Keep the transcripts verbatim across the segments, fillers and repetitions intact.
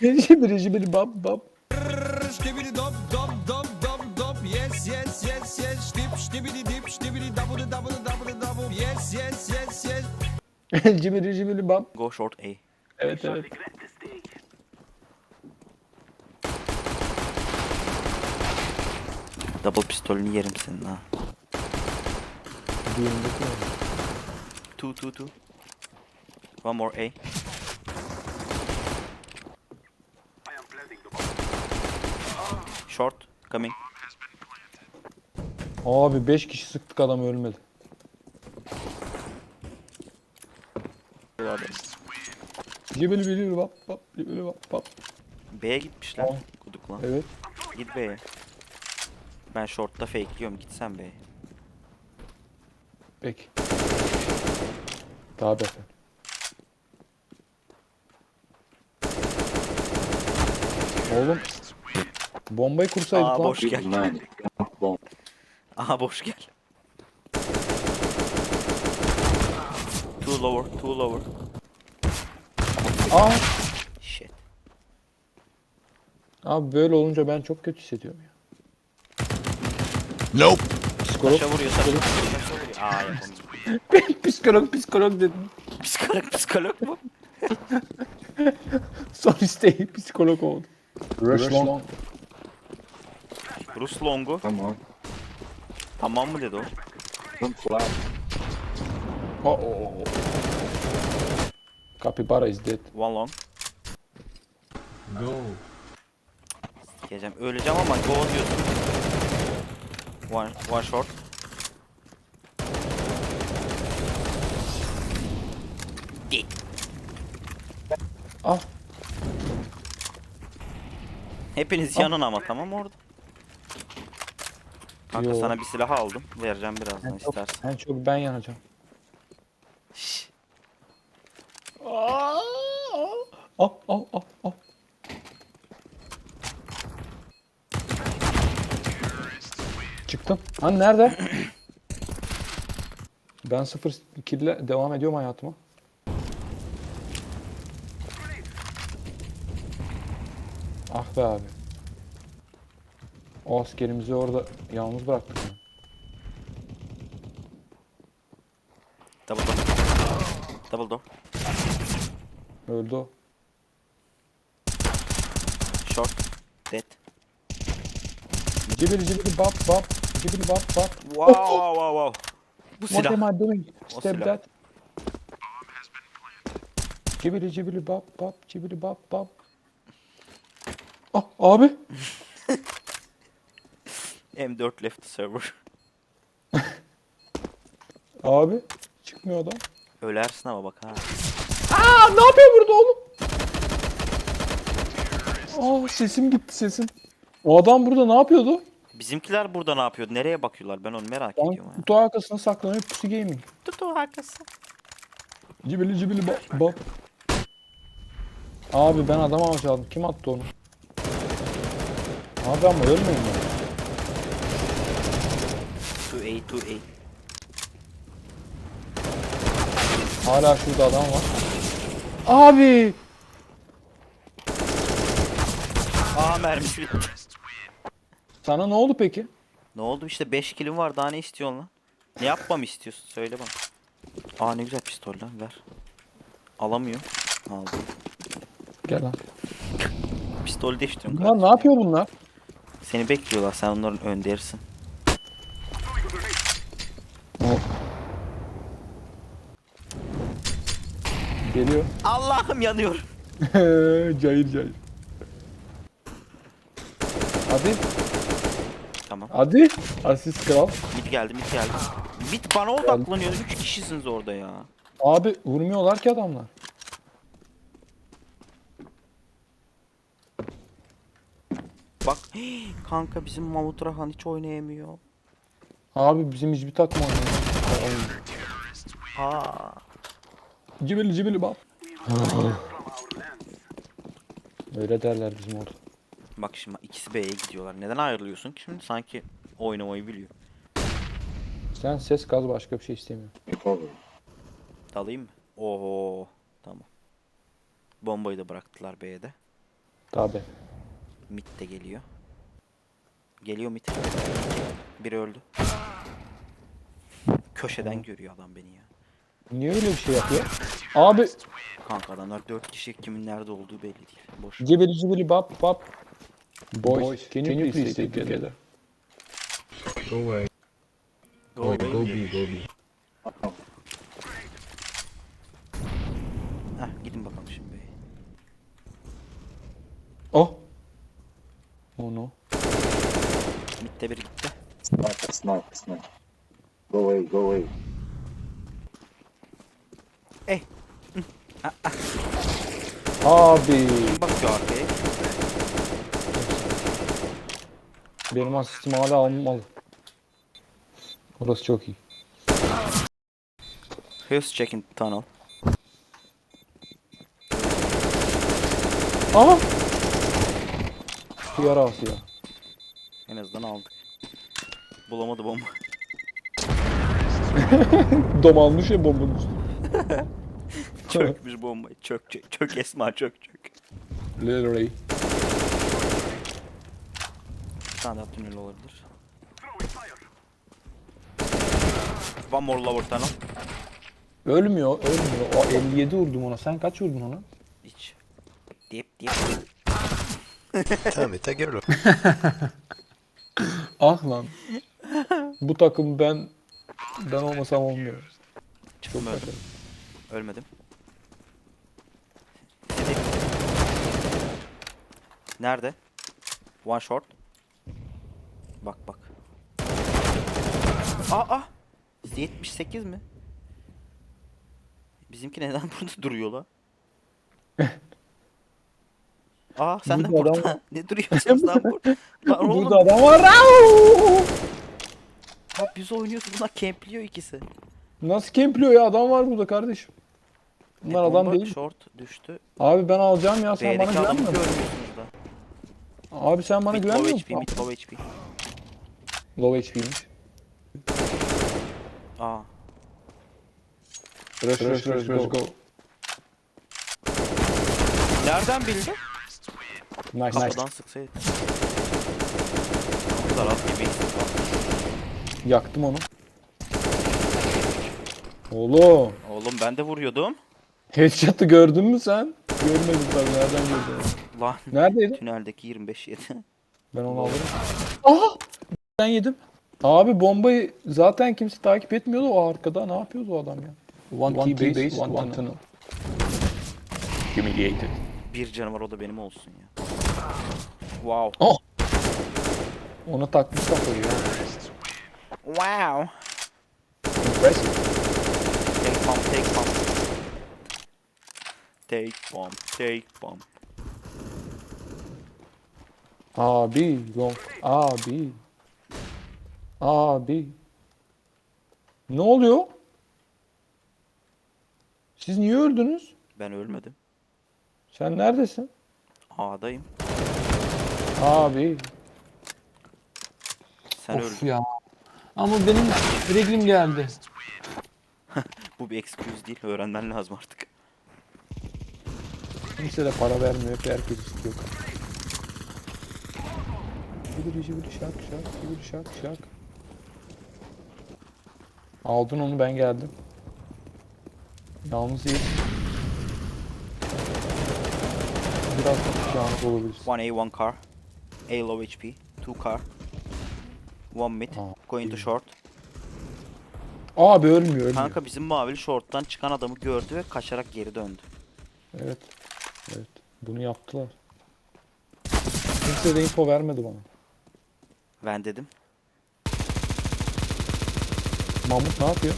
Jibiri jibiri bap bap. Ştibidi dop dop dop dop dop. Yes yes yes yes. Ştip ştibidi dip ştibidi dabudu dabudu dabudu dabu. Yes yes yes yes. Jibiri jibiri bap. Go short A. Evet evet. Double pistolünü yerim senin ha. Diğerindeki ne? Two two two. One more A. Short coming. Abi beş kişi sıktık, adam ölmedi. Jibiri jibiri bap bap. Jibiri bap bap. B'ye gitmişler. Tamam. Kuduk lan. Evet. Git B'ye. Ben short'ta fakeliyorum. Git sen B'ye. Peki. Tabi efendim. Oğlum. Bombayı kursaydık Aa lan. boş gel. Man, bomb. Aha boş gel. Two lower, two lower. Aa. Shit. Abi böyle olunca ben çok kötü hissediyorum ya. Nope. Psikolog. Taşa vuruyor, taşa vuruyor, taşa vuruyor. Aa yapamadım. psikolog psikolog dedim. Psikolog, psikolog mu? Son isteği psikolog oldu. Rush long. Rus longu. Come on. Tamam mı dedi o? Don't fly. Oh, oh, oh. Capybara is dead. One long. Go. Sikeceğim. Öleceğim ama go diyorsun. One, one short. Di. Ah. Hepiniz yanın ama tamam orada. Kanka Yo. sana bir silah aldım. Vereceğim birazdan En çok, istersen. en çok ben yanacağım. Şşş. Al al al al. Çıktım. Hani nerede? Ben sıfır kille devam ediyorum hayatıma. Ah be abi. O askerimizi orada yalnız bıraktık. ya. Double door. Double door. Öldü o. Short. Dead. Cibili cibili bap bap. Cibili bap bap. Wow wow wow wow. Bu What silah. am I doing? O Step silah. that. Cibili cibili bap bap. Cibili bap bap. Ah abi. M dört left server. Abi. Çıkmıyor adam. Ölersin ama bak ha. Aa ne yapıyor burada oğlum? Aa sesim gitti sesim. O adam burada ne yapıyordu? Bizimkiler burada ne yapıyordu? Nereye bakıyorlar? Ben onu merak Ben ediyorum. kutu arkasına saklanıyor, pusu gaming. Tutu arkası. Cibili cibili bap bap. Abi ben adam alacağım. Kim attı onu? Abi ama ölmeyin ya. two A two A. Hala şurada adam var. Abi. Aa mermisi bitti. Sana ne oldu peki? Ne oldu işte beş kilim var daha ne istiyorsun lan? Ne yapmamı istiyorsun söyle bana. Aa ne güzel pistol lan ver. Alamıyor. Aldım. Gel lan. Pistol de istiyorum Bunlar ne kardeşim. yapıyor bunlar? Seni bekliyorlar sen onların önderisin. Geliyor. Allah'ım yanıyorum. cayır cayır. Hadi. Tamam. Hadi. Asist kral. Mid geldi mid geldi. Mid bana odaklanıyor. üç kişisiniz orada ya. Abi vurmuyorlar ki adamlar. Bak kanka bizim Mahmut Rahan hiç oynayamıyor. Abi bizim hiçbir takım oynuyor. Aa. Cibili cibili bak. Öyle derler bizim orada. Bak şimdi ikisi B'ye gidiyorlar. Neden ayrılıyorsun ki şimdi? Sanki oynamayı biliyor. Sen ses gaz başka bir şey istemiyorsun. Recover. Dalayım mı? Oho. Tamam. Bombayı da bıraktılar B'de. Tabi. Mid de geliyor. Geliyor mid. Biri öldü. Köşeden görüyor adam beni ya. Niye öyle bir şey yapıyor? Abi. Kanka adamlar dört kişi, kimin nerede olduğu belli değil. Boş. Cibili cibili bap bap. Boys, can you please stay together? Go away. Go Go, away. go B, go B. Heh, gidin bakalım şimdi. Oh. Oh no. Mid'de biri gitti. Sniper, sniper, sniper. Go away, go away. Eh. Abi. Kim bakıyor arkaya? Benim asistim hala alınmalı. Orası çok iyi. Who's checking tunnel? Aha. Yara ya. En azından aldık. Bulamadı bomba. Dom almış ya bombanın üstüne. Çökmüş bombayı. Çök çök. Çök Esma çök çök. Lil Ray. Bir tane daha tünel olabilir. One more lower tunnel. Ölmüyor, ölmüyor. O elli yedi vurdum ona. Sen kaç vurdun ona? Hiç. Dip dip. Tamam, take a look. Ah lan. Bu takım ben ben olmasam olmuyor. Çıktım öldüm. Ölmedim. Nerede? One short. Bak bak. Aa! yetmiş sekiz mi? Bizimki neden burada duruyor la? Aa sen de Burada adam burada. var. Ne duruyorsunuz lan burada? Lan oğlum. Burada adam var. Au! Abi biz oynuyoruz. Bunlar campliyor ikisi. Nasıl kempliyor ya? Adam var burada kardeşim. Bunlar E, adam bomba değil. Short düştü. Abi ben alacağım ya. Sen bana B'deki adamı güvenmiyor musun? görmüyorsunuz da. Abi sen bana Mid güvenmiyor low musun? H P, mid low H P. Low H P'ymiş. Aa. Rush rush rush rush go. Nereden bildi? Nice nice. Kapıdan sıksaydı. Bu kadar az gibi. Yaktım onu. Oğlum. Oğlum ben de vuruyordum. Headshot'ı gördün mü sen? Görmedim tabii. Nereden gördün? Lan. Neredeydi? Tüneldeki yirmi beş yedi. Ben onu alırım. Aha! Ben yedim. Abi bombayı zaten kimse takip etmiyordu o arkada. Ne yapıyordu o adam ya? One, one key base, base, one, one tunnel. Humiliated. Bir canavar o da benim olsun ya. Wow. Oh! Ona takmış kafayı ya. Wow. Impressive. Take bomb, take bomb. Take bomb, take bomb. Abi, long. Abi. Abi. Ne oluyor? Siz niye öldünüz? Ben ölmedim. Sen neredesin? A'dayım. Abi. Sen Of öldün. ya. Ama benim reglim geldi. Bu bir excuse değil. Öğrenmen lazım artık. Kimse de para vermiyor ki herkes istiyor. Şibiri şibiri şak şak şibiri şak şak. Aldın onu, ben geldim. Yalnız değil. Biraz yalnız olabiliriz. One A, one car. A low H P. Two car. One mid. Aa, Going to iyi. short. Abi ölmüyor ölmüyor. Kanka bizim mavili short'tan çıkan adamı gördü ve kaçarak geri döndü. Evet. Evet. Bunu yaptılar. Kimse de info vermedi bana. Ben dedim. Mahmut ne yapıyor?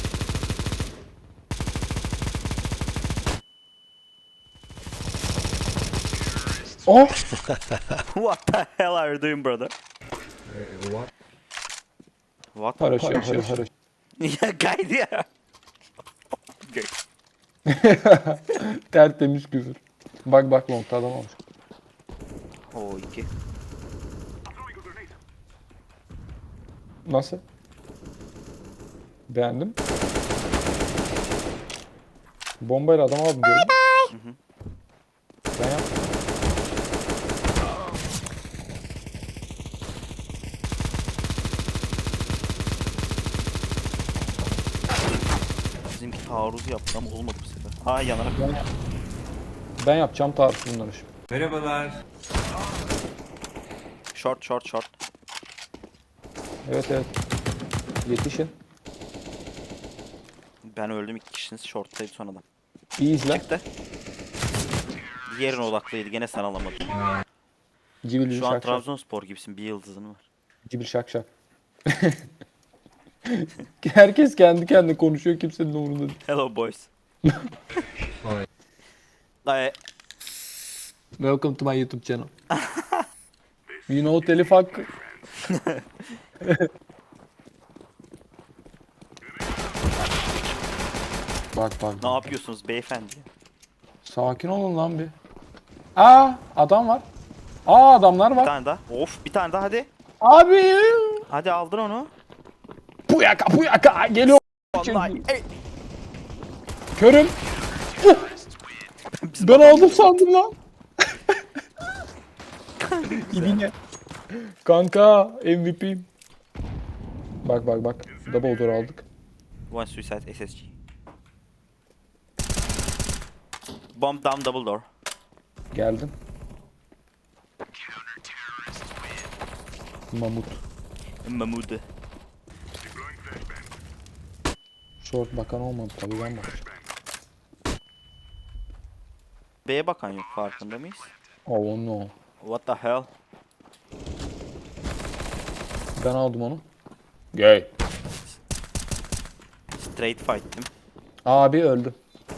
Oh! What the hell are you doing brother? Uh, what? What? Paraşüt, paraşüt, paraşüt. Ya kaydı ya. Okay. Tertemiz küfür. Bak bak longta adam olmuş. O iki. Nasıl? Beğendim. Bombayla adam aldım gördün mü? Ben yaptım. taarruz yaptı ama olmadı bu sefer. Aa yanarak. Ben yapacağım tarzı bunları şimdi. Short short short. Evet evet. Yetişin. Ben öldüm, iki kişiniz shorttaydı son adam. İyi izle. Çıktı. Diğerine odaklıydı, gene sen alamadın. Cibil Şu an şak şak. Trabzonspor gibisin, bir yıldızın var. Cibil şak şak. Herkes kendi kendine konuşuyor, kimsenin umurunda değil. Hello boys. Ay, Welcome to my YouTube channel. You know telif hakkı. Bak bak. ne yapıyorsunuz beyefendi? Sakin olun lan bir. Aa adam var. Aa adamlar Bir var. tane daha. Of, bir tane daha hadi. Abi. Hadi aldın onu. Puyaka puyaka geliyor. Vallahi. Ey, Körüm. bizim Ben adam- aldım sandım lan. İbine. Kanka M V P'yim. Bak bak bak. Double door aldık. One suicide S S G. Bomb down double door. Geldim. Mamut. Mahmud. Short bakan olmadı tabii, ben bakacağım. B'ye bakan yok, farkında mıyız? Oh no. What the hell? Ben aldım onu. Gay. Straight fight'tim. Abi öldüm.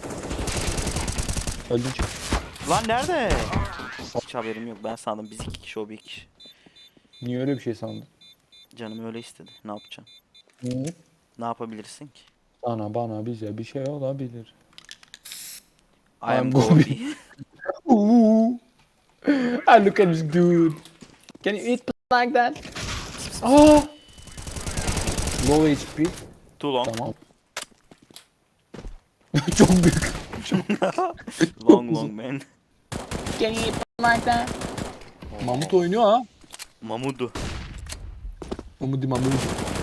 Öldüm çık. Lan nerede? Hiç haberim yok. Ben sandım biz iki kişi, o bir kişi. Niye öyle bir şey sandın? Canım öyle istedi. Ne yapacaksın? Hı? Ne yapabilirsin ki? Sana bana bize bir şey olabilir. I am I'm Gobi. Ooh. I look at this dude. Can you eat like that? Ah. Low H P. Too long. Tamam. Çok büyük. Long long man. Can you eat like that? Mamut oynuyor ha. Mamudu. Mamudi mamudi.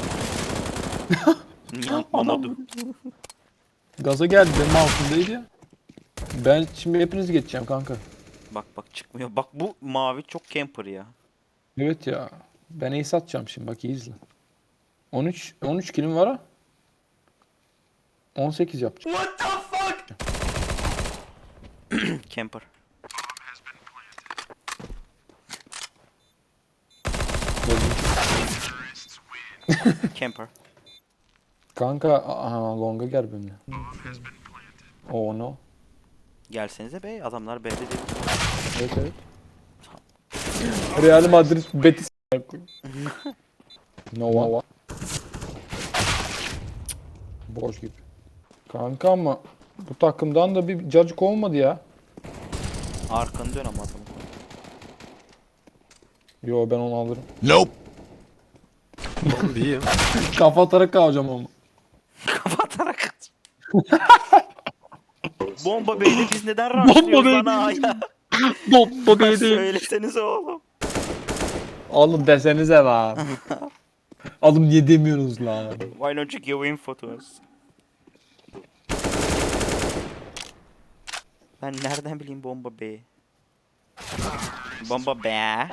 Mamudu. Gaza geldi, benim altındaydı ya. Ben şimdi hepinizi geçeceğim kanka. Bak bak çıkmıyor. Bak bu mavi çok camper ya. Evet ya. Ben ace atacağım şimdi, bak iyi izle. on üç on üç kilim var ha. on sekiz yapacağım. Camper. Camper. Kanka aha, longa gel benimle. Oh no. Gelsenize be, adamlar B'de değil. Evet evet. Real Madrid Betis. Nova. Boş gibi. Kanka ama bu takımdan da bir cacık olmadı ya. Arkanı dön ama adamın. Yo ben onu alırım. Nope. Bombiyim. Kafa atarak alacağım ama. Kapatarak. Bomba B'de biz neden rushlıyoruz lan ya? Bomba değil. Söylesenize oğlum. Alın desenize lan. Alın niye demiyorsunuz lan? Why don't you give info to us? Ben nereden bileyim bomba B? Bomba B.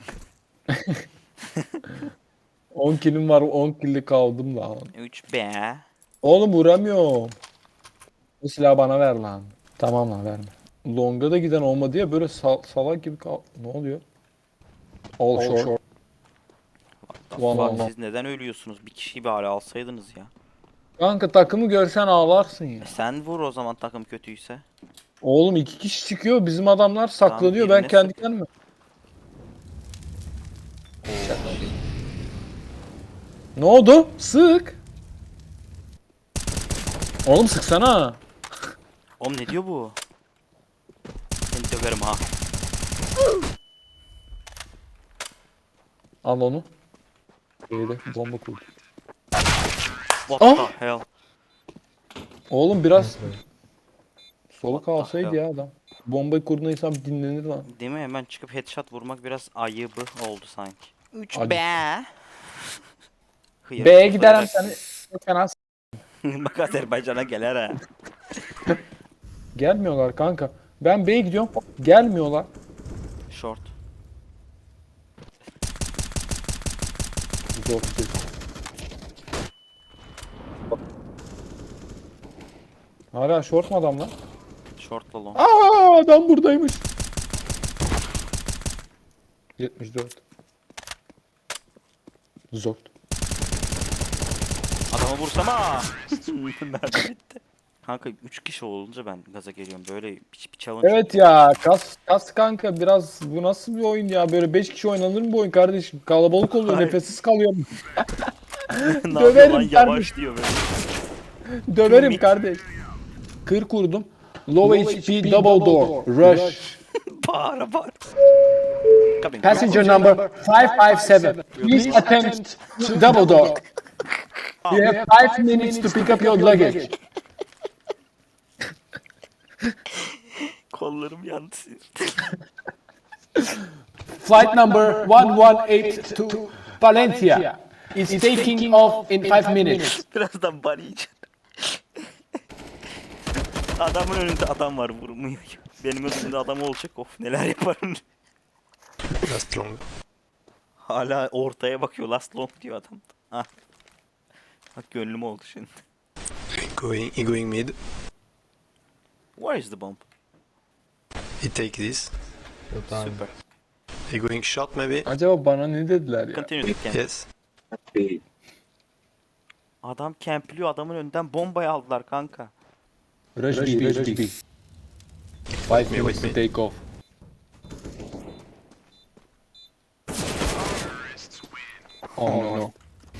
on kilim var, on killi kaldım lan. üç B. Oğlum vuramıyorum. Bu silahı bana ver lan. Tamam lan, verme. Longa da giden olmadı ya, böyle sal salak gibi kal... Ne oluyor? All, All short. short. One Bak on one. siz neden ölüyorsunuz? Bir kişiyi bari alsaydınız ya. Kanka takımı görsen ağlarsın ya. E sen vur o zaman takım kötüyse. Oğlum iki kişi çıkıyor, bizim adamlar saklanıyor, ben birine kendi sık. kendime. Ne oldu? Sık. Oğlum sıksana. Oğlum ne diyor bu? Seni döverim ha. Al onu. Şeyde bomba kurdu. What Ah! the hell? Oğlum biraz soluk What the alsaydı hell? ya adam. Bombayı kurduğunda insan bir dinlenir lan. Değil mi? Hemen çıkıp headshot vurmak biraz ayıbı oldu sanki. üç Hadi. B. Hıyar, B'ye giderim hıyar. seni. Fena s- Bak Azerbaycan'a gelir ha. Gelmiyorlar kanka. Ben B'ye gidiyorum. Gelmiyorlar. Short. Zor bir şey. Hala short mu adam lan? Shortla long. Aa, adam buradaymış. yetmiş dört. Zor. Adamı vursam ha. Mermi bitti. Kanka üç kişi olunca ben gaza geliyorum. Böyle bir, bir challenge. Evet ya, kas kas kanka, biraz bu nasıl bir oyun ya, böyle beş kişi oynanır mı bu oyun kardeşim? Kalabalık oluyor, Hayır. nefessiz kalıyor. ne Döverim yapıyor lan yavaş kardeşim. diyor böyle. Döverim Mid. kardeş. kırk kurdum. Low, H P, double door, rush. Bağıra bağıra. Coming. Passenger number five five seven. Please attempt to double door. You have five minutes to pick up your luggage. Kollarım yandı. Flight number one one eight to Valencia is taking off in five minutes. Birazdan bari yiyeceğim. Adamın önünde adam var vurmuyor. Benim önümde adam olacak, of neler yaparım. Last long. Hala ortaya bakıyor, last long diyor adam. Ah. Bak gönlüm oldu şimdi. Going, he going mid. Where is the bomb? He take this. Super. He going shot maybe. Acaba bana ne dediler ya? Continue the camp. Yes. B. Adam campliyor, adamın önünden bombayı aldılar kanka. Rush B, rush B. Five minutes to take off. Oh no.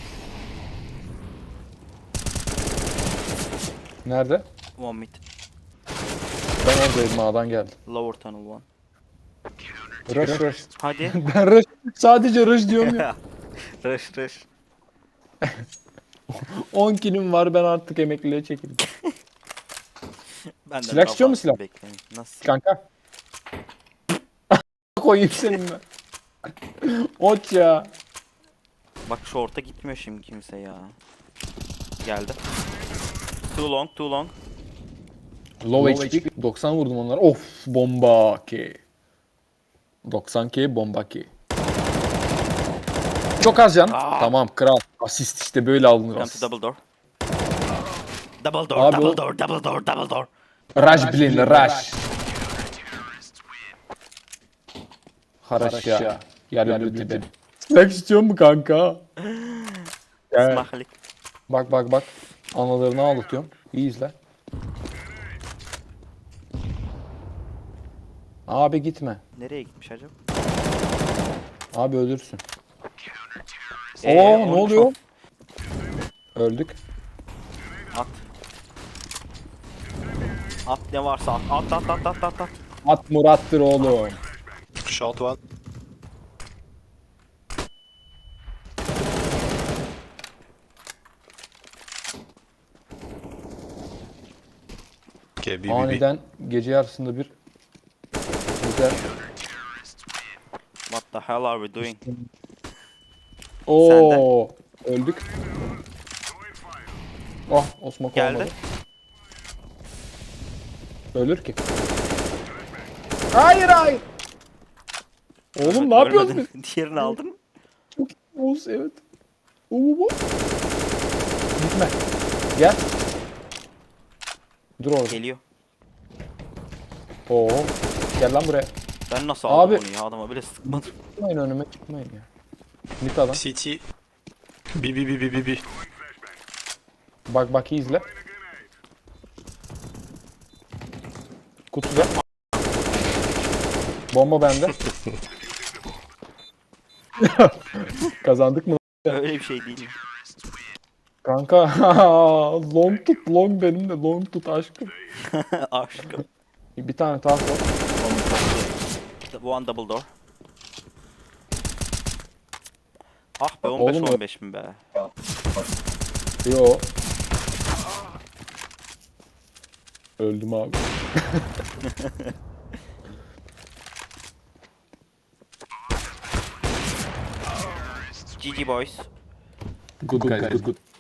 Nerede? One mid. Ben oradayım, A'dan geldim. Lower tunnel one. Rush rush. Hadi. Ben rush, sadece rush diyorum ya. rush rush. on kilim var, ben artık emekliliğe çekildim. Ben de Silah istiyor musun silah? Bekleyin. Nasıl? Kanka. Koyayım seninle. Ot ya. Bak short'a gitmiyor şimdi kimse ya. Geldi. Too long, too long. Low, H P. doksan vurdum onlara. Of, bomba ki. doksan K bomba ki. Çok az can. Tamam kral. Asist işte böyle alınır Come to asist. double door. Double door, Abi double o- door, double door, double door. Rush blin, rush. Haraşya. Yarın ötede. Silah istiyor mu kanka? Gel. Smahlik. Bak bak bak. Analarını ağlatıyorum. İyi izle. Abi gitme. Nereye gitmiş acaba? Abi ölürsün. Ee, Oo, ne onu oluyor? çok- Öldük. At. At ne varsa at. At at at at at at. At Murat'tır oğlum. Short one. Okay, B B B. Aniden gece yarısında bir güzel. What the hell are we doing? Oo, öldük. Oh, Osman Geldi. olmadı. Ölür ki. Hayır hayır. Oğlum ne yapıyorsun? Ölmedin. Diğerini aldın mı? Oğuz evet. Oo, bu. Gitme. Gel. Dur orada. Geliyor. Oo. Gel lan buraya. Ben nasıl aldım Abi- onu ya, adama bile sıkmadım. Çıkmayın önüme, çıkmayın ya. Mit adam. C T. B B B B B B. Bak bak iyi izle. Kutuda. Bomba bende. Kazandık mı? Öyle bir şey değil mi? Kanka long tut, long benim de long tut aşkım. Aşkım. Bir tane task var. One double door. Ah be on Oğlum beş o- on beş mi be? Yo. Öldüm abi. G G boys. Good guys, good good.